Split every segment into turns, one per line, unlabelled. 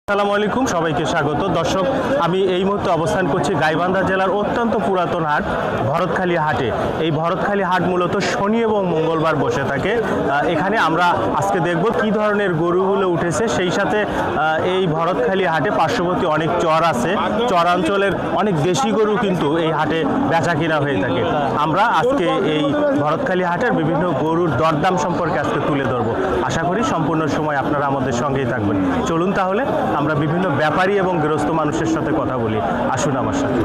আসসালামু আলাইকুম, সবাইকে স্বাগত। দর্শক, আমি এই মুহূর্তে অবস্থান করছি গাইবান্ধা জেলার অত্যন্ত পুরাতন হাট ভরতখালী হাটে। এই ভরতখালী হাট মূলত শনি এবং মঙ্গলবার বসে থাকে। এখানে আমরা আজকে দেখব কি ধরনের গরুগুলো উঠেছে, সেই সাথে এই ভরতখালী হাটে পার্শ্ববর্তী অনেক চর আছে, চরাঞ্চলের অনেক দেশি গরু কিন্তু এই হাটে বেচা কিনা হয়ে থাকে। আমরা আজকে এই ভরতখালী হাটের বিভিন্ন গরুর দরদাম সম্পর্কে আজকে তুলে ধরবো। আশা করি সম্পূর্ণ সময় আপনারা আমাদের সঙ্গেই থাকবেন। চলুন তাহলে আমরা বিভিন্ন ব্যাপারী এবং গৃহস্থ মানুষের সাথে কথা বলি, আসুন আমার সাথে।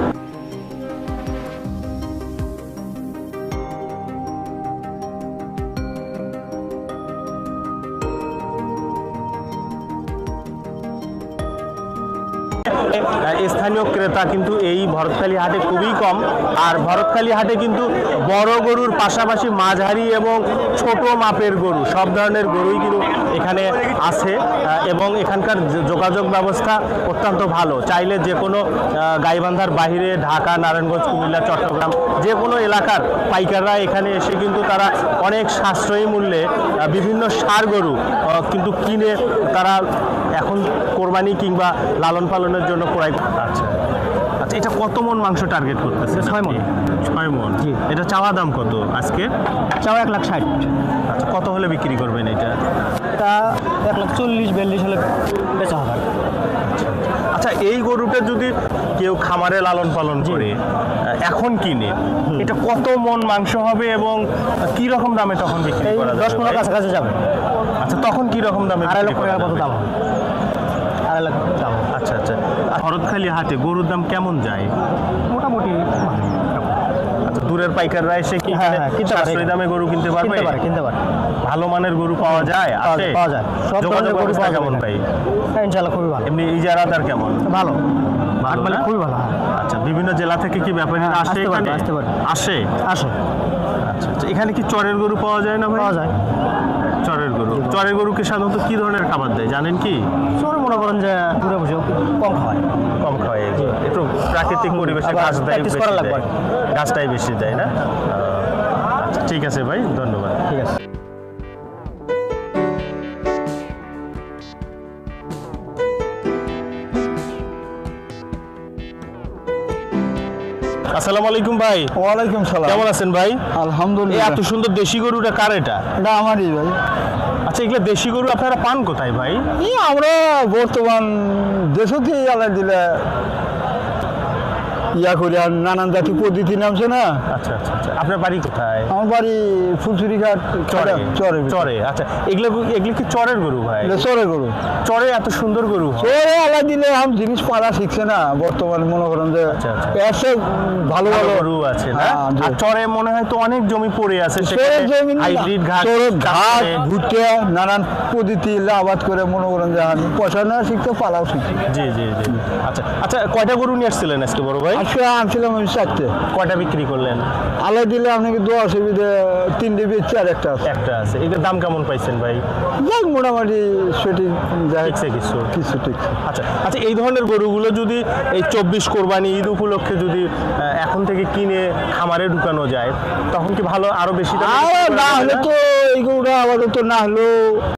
স্থানীয় ক্রেতা কিন্তু এই ভরতখালী হাটে খুবই কম। আর ভরতখালী হাটে কিন্তু বড় গরুর পাশাপাশি মাঝারি এবং ছোট মাপের গরু, সব ধরনের গরুই কিন্তু এখানে আছে এবং এখানকার যোগাযোগ ব্যবস্থা অত্যন্ত ভালো। চাইলে যে কোনো গাইবান্ধার বাইরে ঢাকা, নারায়ণগঞ্জ, কুমিল্লা, চট্টগ্রাম যে কোনো এলাকার পাইকাররা এখানে এসে কিন্তু তারা অনেক সাশ্রয়ী মূল্যে বিভিন্ন ষাঁড় গরু কিন্তু কিনে তারা এখন কোরবানি কিংবা লালন পালনের জন্য ক্রয়। আচ্ছা আচ্ছা, এটা কত মন মাংস টার্গেট করতেছে?
6 মণ।
6 মন।
জি।
এটা চাওয়া দাম কত আজকে?
চাও 1,60,000।
আচ্ছা, কত হলে বিক্রি করবেন এটা?
তা 1,40,000-42,000 হলে বেচা হবে।
আচ্ছা, এই গরুটা যদি কেউ খামারে লালন পালন করে এখন কিনে, এটা কত মন মাংস হবে এবং কি রকম দামে তখন বিক্রি
এই
করা যাবে?
10-15 কাছাকাছি যাবে।
আচ্ছা, তখন কি রকম দামে
2.5
বিক্রি
লক্ষ
করা
টাকার মতো
যাবে?
দাম হবে। 2.5 লাখ দাম হবে।
আচ্ছা আচ্ছা, ভরতখালী হাটে গরুর দাম কেমন যায়?
মোটামুটি
আচ্ছা, দূরের পাইকাররা এসে কি
হ্যাঁ, কিনতে পারে।
সাশ্রয়ী দামে গরু কিনতে পারবে?
কিনতে পারে।
ভালো মানের গরু পাওয়া যায়? আছে?
পাওয়া যায়। সব
যোগাযোগ
ধরনের গরু
ব্যবস্থা
পাওয়া
কেমন
যাবে।
পাই?
হ্যাঁ, ইনশাআল্লাহ খুবই ভালো।
এমনি ইজারাদার কেমন?
ভালো।
ভালো
মানে
না?
খুবই ভালো। হ্যাঁ।
আচ্ছা, বিভিন্ন জেলা থেকে কি ব্যাপারীরা
হ্যাঁ,
আসে
আসতে পারবে,
এখানে?
আসতে পারবে।
আসে?
আসো।
আচ্ছা আচ্ছা, এখানে কি চরের গরু পাওয়া যায় না ভাই?
পাওয়া যায়।
চরের গরু। চরের গরুকে সাধারণত কি ধরনের খাবার দেয় জানেন কি?
শহরে মনে করেন যে দূরে বসে কম খাওয়ায়।
কম খাওয়ায় এগুলো। একটু প্রাকৃতিক পরিবেশে
আবার
ঘাস দেয়,
practice
বেশি
করা লাগবে।
দেয়। ঘাসটাই বেশি দেয় না? আচ্ছা, ঠিক আছে ভাই, ধন্যবাদ।
ঠিক আছে।
আসসালামু আলাইকুম ভাই,
ওয়ালাইকুম সালাম।
কেমন আছেন ভাই? এই
আলহামদুলিল্লাহ।
এত সুন্দর দেশি গরুটা কার এটা?
এটা আমারই ভাই।
আচ্ছা, এগুলো দেশি গরু আপনারা পান কোথায় ভাই?
আমরা বর্তমান দেশতে আলাই দিলে ইয়া করি, আর নানান জাতি পদ্ধতি নামছে না।
আচ্ছা আচ্ছা আচ্ছা, আপনার বাড়ি কোথায়?
আমার বাড়ি ফুলচুরি ঘাট
চরে।
চরে
চরে। আচ্ছা, এগুলো কি চরের গরু ভাই?
চরে গরু।
চরে এত সুন্দর গরু হয়?
চরে আলাই দিলে আম জিনিস পাড়া শিখছে না বর্তমানে, মনে করেন যে
আচ্ছা, আচ্ছা।
এসে ভালো
ভালো
ভালো
গরু আছে না?
হ্যাঁ, জি।
আর চরে মনে হয় তো অনেক জমি পড়ে আছে,
চরের জমি
হাইব্রিড ঘাস,
চরের ঘাট
চাষে।
ভুট্টা নানান পদ্ধতি আবাদ করে মনে করেন যে আমি পয়সা না শিখতে পালাও শিখছি।
জি জি জি। আচ্ছা আচ্ছা, কয়টা গরু নিয়ে আসছিলেন আজকে বড় ভাই?
আজকে আনছিলাম আমি 4টে।
কয়টা বিক্রি করলেন?
আলাই দিলে আপনাকে 10 সুবিধে 3টে বেচছি আর একটা আছে।
একটা আছে। এটার দাম কেমন পাইছেন ভাই?
যাই মোটামুটি সঠিক যায়
ঠিকছে কিছু?
কিছু ঠিক।
আচ্ছা আচ্ছা, এই ধরনের গরুগুলো যদি এই 24 কোরবানি ঈদ উপলক্ষে যদি এখন থেকে কিনে খামারে ঢুকানো যায়, তখন কি ভালো আরো বেশি দামে বিক্রি
আর
করা
না
যাবে
হলে
না?
তো এইগুলো আপাতত না হলেও